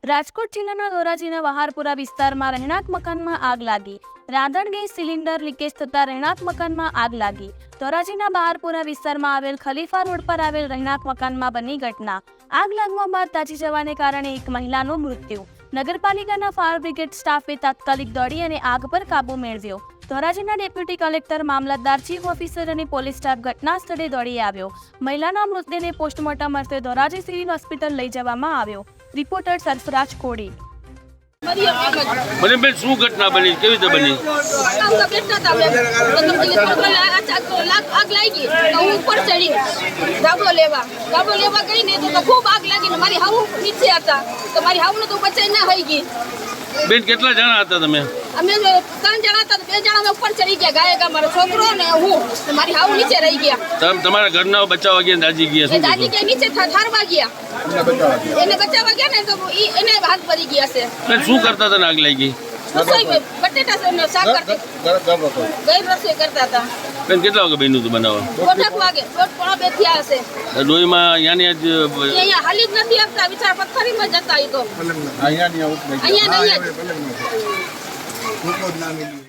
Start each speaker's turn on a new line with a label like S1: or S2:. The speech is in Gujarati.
S1: રાજકોટ જિલ્લાના ધોરાજીના વહારપુરા વિસ્તારમાં રહેણાંક મકાનમાં આગ લાગી। રાંધણ ગેસ સિલિન્ડર લીકેજ થતાં રહેણાંક મકાનમાં આગ લાગી। ધોરાજીના વહારપુરા વિસ્તારમાં આવેલ ખલીફા રોડ પર આવેલ રહેણાંક મકાનમાં બની ઘટના। આગ લાગવા બાદ દાઝી જવાને કારણે એક મહિલાનું મૃત્યુ। નગરપાલિકાના ફાયર બ્રિગેડ સ્ટાફે તાત્કાલિક દોડી અને આગ પર કાબુ મેળવ્યો। ધોરાજીના ડેપ્યુટી કલેક્ટર, મામલતદાર, ચીફ ઓફિસર અને પોલીસ સ્ટાફ ઘટના સ્થળે દોડી આવ્યો। મહિલાના મૃતદેહને પોસ્ટમોર્ટમ અર્થે ધોરાજી સિવિલ હોસ્પિટલ લઈ જવામાં આવ્યો। રિપોર્ટર સરફરાજ કોડી।
S2: મને બેન શું ઘટના બની, કેવી રીતે બની?
S3: આગ લાગી તો હું ઉપર ચડી ધાબો લેવા ગઈ ને તો ખૂબ આગ લાગી ને મારી હાવ નીચે હતા તો મારી હાવને તો બચાઈ ના થઈ ગઈ।
S2: બેન કેટલા જણા હતા તમે?
S3: અમે 3 જણા હતા, 2 જણા અમે ઉપર ચડી ગયા, ગાયકા મારો છોકરો ને હું, મારી હાવ નીચે રહી ગયા।
S2: તમારા ઘરના બચાવવા ગયા, દાજી ગયા? શું
S3: દાદી કે નીચે ઠારવા ગયા, એને બચાવવા ગયા ને તો એને હાથ ભરી ગયા છે।
S2: બેન શું કરતા હતા ને આગ લાગી?
S3: રસોઈ બટેટા શાક કરતી, ગઈ રસોઈ કરતા હતા।
S2: બેન કેટલા વાગે બન્યું હતું બનાવવા?
S3: 1:30 વાગે, 1:30 થયા હશે।
S2: ડોહીમાં અહીંયાની જ
S3: અહીંયા હાલી જ નથી આપતા, વિચાર પથ્થરીમાં જતા. એ તો અહીંયા નહીં